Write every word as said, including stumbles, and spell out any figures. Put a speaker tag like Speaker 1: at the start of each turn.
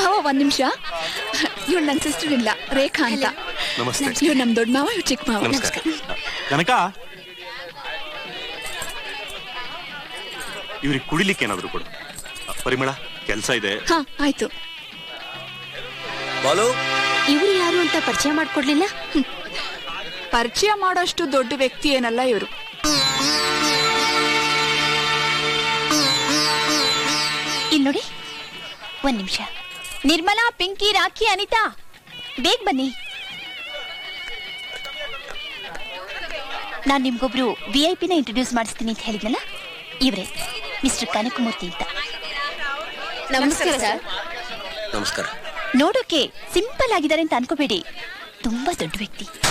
Speaker 1: ಮಾವ ಒಂದ್ ನಿಮಿಷ. ಇವ್ರು ನನ್ನ ಸಿಸ್ಟರ್ ಇಲ್ಲ, ರೇಖಾ ಅಂತ. ಇವ್ರು ನಮ್ ದೊಡ್ಡ ಮಾವ, ಇವ್ರು ಚಿಕ್ಕ ಮಾವ.
Speaker 2: ಕನಕ, ಇವ್ರಿಗೆ ಕುಡಿಲಿಕ್ಕೆ ಏನಾದ್ರು ಕೊಡು. ಪರಿಮಳ, ಕೆಲಸ ಇದೆ.
Speaker 1: ಹಾ ಆಯ್ತು.
Speaker 3: ಇವ್ರು ಯಾರು ಅಂತ ಪರಿಚಯ ಮಾಡ್ಕೊಡ್ಲಿಲ್ಲ?
Speaker 1: ಪರಿಚಯ ಮಾಡೋಷ್ಟು ದೊಡ್ಡ ವ್ಯಕ್ತಿ ಏನಲ್ಲ ಇವರು.
Speaker 3: ಇಲ್ಲಿ ನೋಡಿ, ಒಂದ್ ನಿಮಿಷ. ನಿರ್ಮಲಾ, ಪಿಂಕಿ, ರಾಖಿ, ಅನಿತಾ, ಬೇಗ ಬನ್ನಿ. ನಾನ್ ನಿಮ್ಗೊಬ್ರು ವಿ ಐ ಪಿನ ಇಂಟ್ರೊಡ್ಯೂಸ್ ಮಾಡಿಸ್ತೀನಿ ಅಂತ ಹೇಳಿದ್ನಲ್ಲ, ಇವ್ರೆ ಮಿಸ್ಟರ್ ಕನಕಮೂರ್ತಿ ಅಂತ.
Speaker 4: ನಮಸ್ಕಾರ ಸರ್.
Speaker 5: ನಮಸ್ಕಾರ.
Speaker 3: ನೋಡೋಕೆ ಸಿಂಪಲ್ ಆಗಿದ್ದಾರೆ ಅಂತ ಅನ್ಕೋಬೇಡಿ, ತುಂಬಾ ದೊಡ್ಡ ವ್ಯಕ್ತಿ.